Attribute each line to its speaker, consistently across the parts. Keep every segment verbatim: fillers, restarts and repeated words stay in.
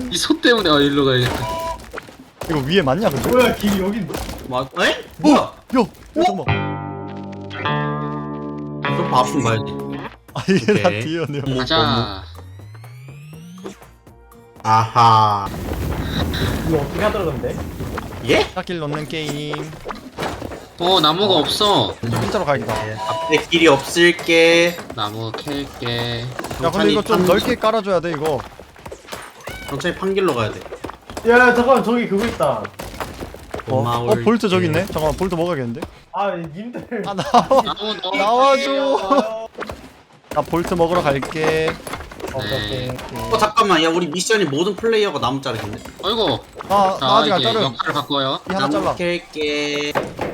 Speaker 1: 이 소 때문에 아 일로 가야겠다.
Speaker 2: 이거 위에 맞냐 근데?
Speaker 3: 뭐야 길이 여기
Speaker 4: 마, 에? 뭐야?
Speaker 2: 야! 야 잠깐만.
Speaker 4: 좀 아픈 가야지.
Speaker 2: 아 이게 다
Speaker 4: 오케이.
Speaker 2: 뒤였네요.
Speaker 1: 가자.
Speaker 4: 아하.
Speaker 3: 이거 어떻게 하더라 근데?
Speaker 4: 예?
Speaker 2: 샷길 넣는 게임.
Speaker 1: 어 나무가 없어.
Speaker 2: 진짜로 가야겠다.
Speaker 4: 앞에 길이 없을게.
Speaker 1: 나무 캘게.
Speaker 2: 야 근데 이거 좀
Speaker 4: 판-
Speaker 2: 넓게 깔아줘야 돼 이거.
Speaker 4: 천천히 판길로 가야 돼.
Speaker 3: 야 잠깐만 저기 그거 있다.
Speaker 2: 어? 어
Speaker 4: 고마울게.
Speaker 2: 볼트 저기 있네? 잠깐만 볼트 먹어야겠는데?
Speaker 3: 아 님들.
Speaker 2: 아 나와.
Speaker 1: 나무 넣어.
Speaker 2: 나와줘. 나 볼트 먹으러 갈게.
Speaker 3: 오케이.
Speaker 4: 어 잠깐만, 야 우리 미션이 모든 플레이어가 나무 자르겠네.
Speaker 1: 아이고.
Speaker 2: 아, 나
Speaker 1: 자
Speaker 2: 아직 안
Speaker 1: 이제
Speaker 2: 자른.
Speaker 1: 역할을 바꿔요.
Speaker 2: 이 하나
Speaker 4: 나무
Speaker 2: 잘라.
Speaker 4: 캘게.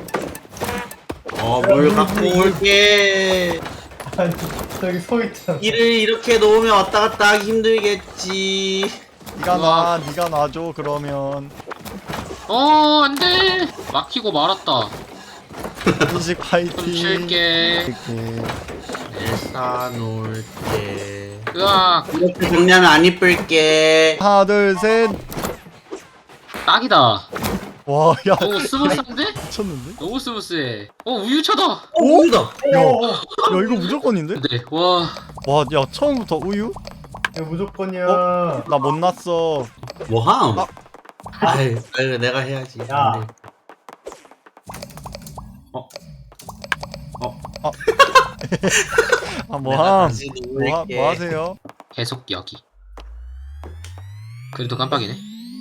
Speaker 4: 어, 뭘 갖고 올게.
Speaker 3: 아니 저기 서 있잖아.
Speaker 4: 길을 이렇게 놓으면 왔다 갔다 하기 힘들겠지.
Speaker 2: 니가 놔, 니가 놔줘 그러면.
Speaker 1: 어 안돼. 막히고 말았다.
Speaker 2: 인식
Speaker 1: 좀
Speaker 2: 파이팅.
Speaker 1: 쉴게.
Speaker 2: 이렇게.
Speaker 4: 내사 놓을게.
Speaker 1: 으악.
Speaker 4: 이렇게 정리하면 안 이쁠게.
Speaker 2: 하나 둘 셋.
Speaker 1: 딱이다.
Speaker 2: 와, 야
Speaker 1: 너무 스무스한데?
Speaker 2: 미쳤는데?
Speaker 1: 너무 스무스해. 어 우유차다.
Speaker 4: 어, 우유다.
Speaker 2: 야, 야 이거 무조건인데?
Speaker 1: 네. 와.
Speaker 2: 와, 야 처음부터 우유?
Speaker 3: 이거 무조건이야.
Speaker 2: 나 못 났어.
Speaker 4: 뭐함?
Speaker 2: 아.
Speaker 4: 아이, 아이, 내가 해야지.
Speaker 3: 야.
Speaker 4: 안 돼. 어? 어?
Speaker 2: 아
Speaker 4: 내가
Speaker 2: 뭐함?
Speaker 4: 다시
Speaker 2: 뭐, 하,
Speaker 4: 놓을게.
Speaker 2: 뭐 하세요?
Speaker 1: 계속 여기. 그래도 깜빡이네.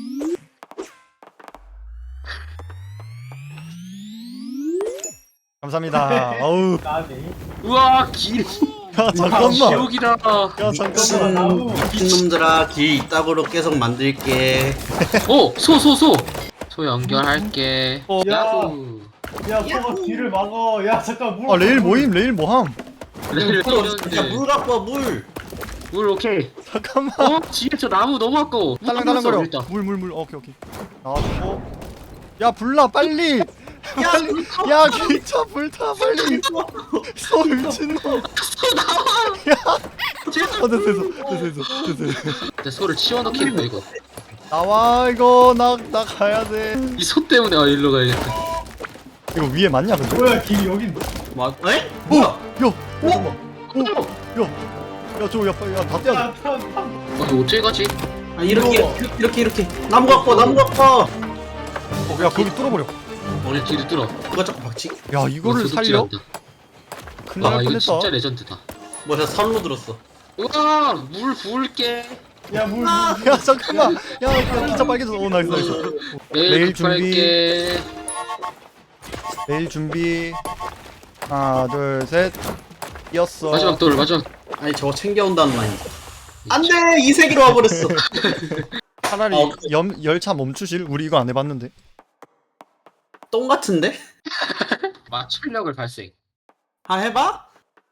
Speaker 2: 감사합니다. 아우.
Speaker 3: 나비.
Speaker 1: 우와 길.
Speaker 2: 야 잠깐만.
Speaker 1: 지옥이다.
Speaker 2: 야 잠깐만.
Speaker 3: 나무.
Speaker 4: 미친 놈들아, 길 이따구로 계속 만들게.
Speaker 1: 오소 소 소. 소 연결할게.
Speaker 2: 어.
Speaker 1: 야후.
Speaker 3: 야 소가 뒤를 막어. 야 잠깐 물.
Speaker 2: 아 레일 모임, 레일 뭐함?
Speaker 1: 레일
Speaker 4: 야,
Speaker 1: 뚫렸는데.
Speaker 4: 물 갖고 와, 물.
Speaker 1: 물 오케이.
Speaker 2: 잠깐만.
Speaker 1: 어 뒤에 저 나무 너무 아까워.
Speaker 2: 딸랑딸랑거려.
Speaker 1: 일단.
Speaker 2: 물 물 물. 오케이 오케이. 나왔고. 야 불나 빨리. 빨리. 야 기차 불타 빨리. 소 미친놈.
Speaker 1: 소 나와.
Speaker 2: 어 됐어 됐어 됐어 됐어 됐어.
Speaker 1: 내 소를 치워넣겠다 이거.
Speaker 2: 나와 이거 나 나 가야 돼.
Speaker 1: 이 소 때문에 아 일로 가야겠다.
Speaker 2: 이거 위에 맞냐 근데?
Speaker 3: 뭐야 길이 여기.
Speaker 4: 뭐, 에?
Speaker 2: 오!
Speaker 4: 뭐야?
Speaker 2: 야! 잠깐만. 오! 야! 야 저거 야 빨리 야다 떼야 돼.
Speaker 3: 야 편 편.
Speaker 1: 어 이거 어째 가지?
Speaker 4: 아, 이렇게, 이렇게, 이렇게, 이렇게. 나무 갖고 와, 나무 갖고 와.
Speaker 2: 어, 야 거기 뚫어버려.
Speaker 1: 우리 뒤를 뚫어.
Speaker 4: 누가 자꾸 박치?
Speaker 2: 야 이거를 살려? 큰일
Speaker 1: 아
Speaker 2: 날
Speaker 1: 이거
Speaker 2: 뻔했다.
Speaker 1: 진짜 레전드다.
Speaker 4: 뭐, 저 선로 들었어.
Speaker 1: 우와 물 부을게.
Speaker 3: 야 물. 물.
Speaker 2: 야 잠깐만. 야, 야 기차 빨개졌어. 오 나이스 나이스.
Speaker 1: 내일
Speaker 2: 내일
Speaker 1: 급할게.
Speaker 2: 내일 준비. 하나 둘 셋. 뛰었어.
Speaker 1: 마지막 돌 마지막.
Speaker 4: 아니, 저거 챙겨온다는 말이. 안 돼! 이 세계로 와버렸어.
Speaker 2: 차라리
Speaker 4: 어.
Speaker 2: 염, 열차 멈추실? 우리 이거 안 해봤는데.
Speaker 4: 똥 같은데?
Speaker 1: 마출력을 발생.
Speaker 4: 아, 해봐?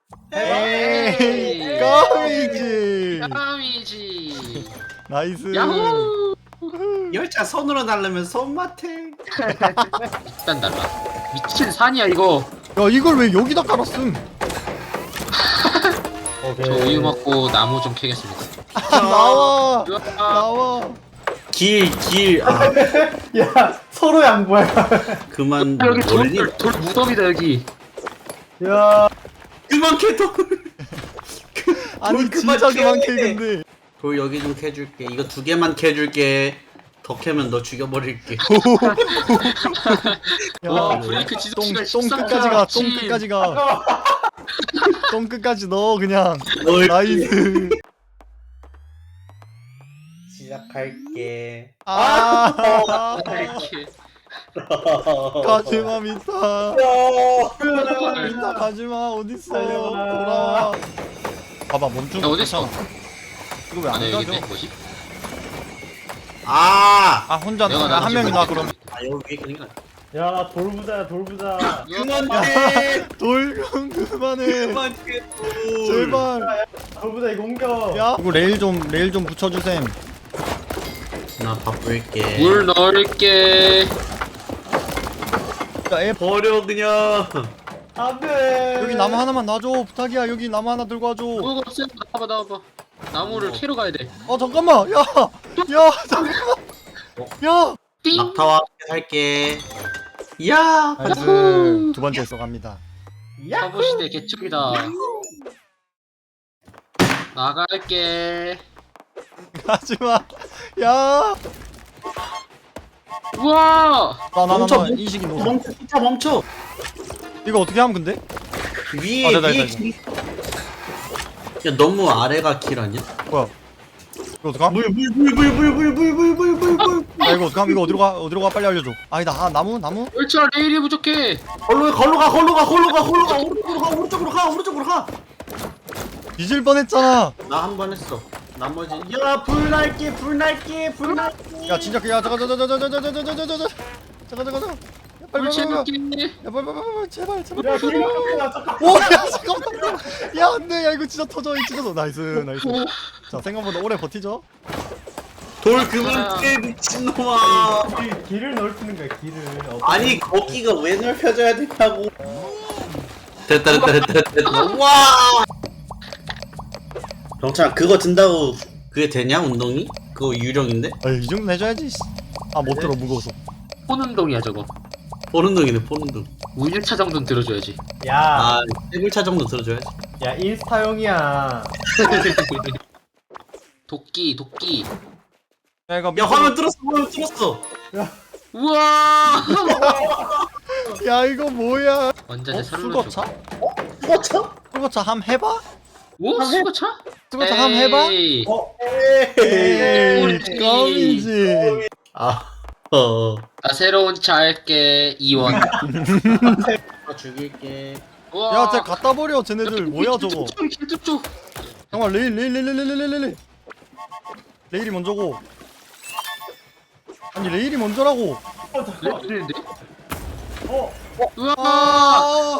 Speaker 2: 에이 껌이지.
Speaker 1: 까미지.
Speaker 2: 나이스.
Speaker 1: 야호.
Speaker 4: 열차 손으로 날르면 손맛해.
Speaker 1: 일단 달라. 미친 산이야 이거.
Speaker 2: 야 이걸 왜 여기다 깔았음?
Speaker 3: 오케이.
Speaker 1: 저 우유 먹고 나무 좀 캐겠습니다.
Speaker 2: 아, 나와.
Speaker 1: 으아.
Speaker 2: 나와.
Speaker 4: 길, 길. 아,
Speaker 3: 야 서로 양보야.
Speaker 4: 그만
Speaker 1: 아, 여기 돌,
Speaker 4: 놀리.
Speaker 1: 돌, 돌 무덤이다 여기.
Speaker 3: 야.
Speaker 4: 그만 캐, 돌.
Speaker 2: 아니
Speaker 4: 돌
Speaker 2: 진짜
Speaker 4: 그만
Speaker 2: 그만
Speaker 4: 캐.
Speaker 2: 캐 근데.
Speaker 4: 돌 여기 좀 캐줄게. 이거 두 개만 캐줄게. 더 캐면 너 죽여버릴게.
Speaker 1: 와
Speaker 2: 야,
Speaker 1: 브레이크 지속
Speaker 2: 똥,
Speaker 1: 시간
Speaker 2: 똥
Speaker 1: 십삼 초.
Speaker 2: 끝까지 가, 똥
Speaker 1: 미친.
Speaker 2: 끝까지 가. 똥 끝까지 넣어 그냥.
Speaker 4: 널
Speaker 2: 나이스.
Speaker 4: 시작할게.
Speaker 2: 아,
Speaker 1: 이렇게.
Speaker 2: 가지마 미타.
Speaker 3: 야.
Speaker 2: 미타 가지마 어딨어?
Speaker 3: 살려라.
Speaker 2: 돌아와. 봐봐 멈춘.
Speaker 1: 야 어딨어?
Speaker 2: 이거 왜
Speaker 1: 아
Speaker 2: 안
Speaker 1: 네
Speaker 2: 가져?
Speaker 1: 여기네 뭐지?
Speaker 4: 아!
Speaker 2: 아 혼자
Speaker 1: 내가
Speaker 2: 나, 한
Speaker 1: 나가지
Speaker 2: 명이 나
Speaker 1: 못해.
Speaker 2: 그럼.
Speaker 4: 아, 여기 위에 그린 거
Speaker 3: 야나 돌부자야 돌부자.
Speaker 4: 그만 캐!
Speaker 2: 돌좀 그만해.
Speaker 4: 그만 캐, 돌!
Speaker 2: 제발.
Speaker 3: 돌부자 이거 옮겨.
Speaker 2: 야. 이거 레일 좀 레일 좀 붙여주셈.
Speaker 4: 나 바쁠게.
Speaker 1: 물 넣을게.
Speaker 2: 야, 애
Speaker 4: 버려, 그냥.
Speaker 3: 안돼.
Speaker 2: 여기 나무 하나만 놔줘 부탁이야. 여기 나무 하나 들고 와줘.
Speaker 1: 뭐가 없어? 나와봐 나와봐. 나무를
Speaker 4: 어.
Speaker 1: 캐러 가야 돼.
Speaker 2: 어 잠깐만 야야 잠깐만 야
Speaker 1: 띵.
Speaker 4: 낙타와 함께 살게. 이야.
Speaker 2: 나이스 두 번째 써갑니다.
Speaker 1: 서부 시대 개척이다. 나갈게.
Speaker 2: 가지마 야
Speaker 1: 우와.
Speaker 2: 나나나나
Speaker 4: 멈춰,
Speaker 2: 인식이 너무
Speaker 4: 멈춰, 진짜 멈춰.
Speaker 2: 이거 어떻게 하면 근데?
Speaker 4: 위에
Speaker 2: 아, 됐다,
Speaker 4: 위에
Speaker 2: 됐다,
Speaker 4: 길. 야 너무 아래가 길 아니야?
Speaker 2: 뭐야 이거 어떡함?
Speaker 4: 물물물물물물물물물물
Speaker 2: 아 이거 어떡함? 이거 어디로 가? 어디로 가? 빨리 알려줘. 아니다 아 나무 나무?
Speaker 1: 열차 레일이 부족해.
Speaker 4: 걸로 걸로 가 걸로 가 걸로 가 걸로 가 오른쪽으로 가 오른쪽으로 가 오른쪽으로 가.
Speaker 2: 뒤질 뻔했잖아.
Speaker 4: 나 한 번 했어. 나머지 야 불날게 불날게 불날게.
Speaker 2: 야 진짜 야 잠깐 잠깐 잠깐 잠깐 잠깐 잠깐 잠깐 잠깐 잠깐 잠깐 빨리 빨리 빨리
Speaker 1: 물체느끼.
Speaker 2: 야 빨리 빨리 빨리 제발 제발
Speaker 3: 야 길 막혔다 잠깐.
Speaker 2: 오야 잠깐만 야 안돼 야 이거 진짜 터져 이거 진짜 터져. 나이스 나이스 자 생각보다 오래 버티죠.
Speaker 4: 돌 그만 깨 미친놈아.
Speaker 3: 길, 길을 넓히는 거야 길을. 어,
Speaker 4: 아니 거기가 왜 넓혀져야 되냐고. 됐다 됐다 됐다 됐다, 됐다. 와. 병찬 그거 든다고 그게 되냐 운동이? 그거 유령인데?
Speaker 2: 아이 정도 해줘야지. 아 못 들어 무거워서.
Speaker 1: 폰운동이야 저거.
Speaker 4: 포른동이네 포른동.
Speaker 1: 우일차 정도는 들어줘야지.
Speaker 3: 야,
Speaker 4: 아 세글차 정도 들어줘야지.
Speaker 3: 야 인스타용이야.
Speaker 1: 도끼 도끼.
Speaker 2: 야 이거
Speaker 4: 야 화면 뚫었어 화면 뚫었어.
Speaker 1: 우와.
Speaker 2: 야 이거 뭐야?
Speaker 1: 원자재
Speaker 2: 어?
Speaker 1: 서류로
Speaker 2: 수거차?
Speaker 1: 줘.
Speaker 4: 뚫었어?
Speaker 2: 수거차 함 해봐?
Speaker 1: 오 수거차?
Speaker 2: 수거차 함 해봐?
Speaker 1: 에이.
Speaker 3: 어,
Speaker 2: 에이
Speaker 1: 꼴찌.
Speaker 2: 껌이지.
Speaker 4: 아 어.
Speaker 1: 나 새로운 차 할게. 이원.
Speaker 4: 아 죽일게.
Speaker 1: 우와.
Speaker 2: 야 쟤 갖다 버려 쟤네들 뭐야 저거.
Speaker 1: 길쭉쭉.
Speaker 2: 잠깐만 레일 레일 레일 레일 레일 레일 레일이 먼저고. 아니 레일이 먼저라고.
Speaker 3: 어, 잠깐.
Speaker 1: 레일인데?
Speaker 3: 어,
Speaker 1: 우와.
Speaker 2: 아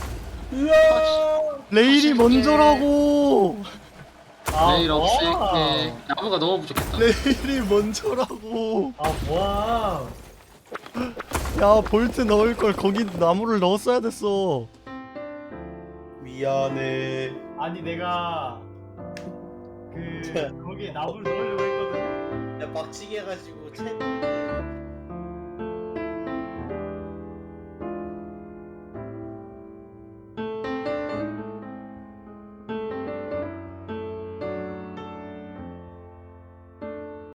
Speaker 3: 으아.
Speaker 2: 레일이 먼저라고.
Speaker 3: 아,
Speaker 1: 레일
Speaker 3: 뭐야.
Speaker 1: 없앨게. 나무가 너무 부족했다.
Speaker 2: 레일이 먼저라고.
Speaker 3: 아 뭐야.
Speaker 2: 야 볼트 넣을 걸 거기 나무를 넣었어야 됐어.
Speaker 4: 미안해.
Speaker 3: 아니 내가 그 거기에 나무를 넣으려고 했거든.
Speaker 4: 야 빡치게 해가지고 채.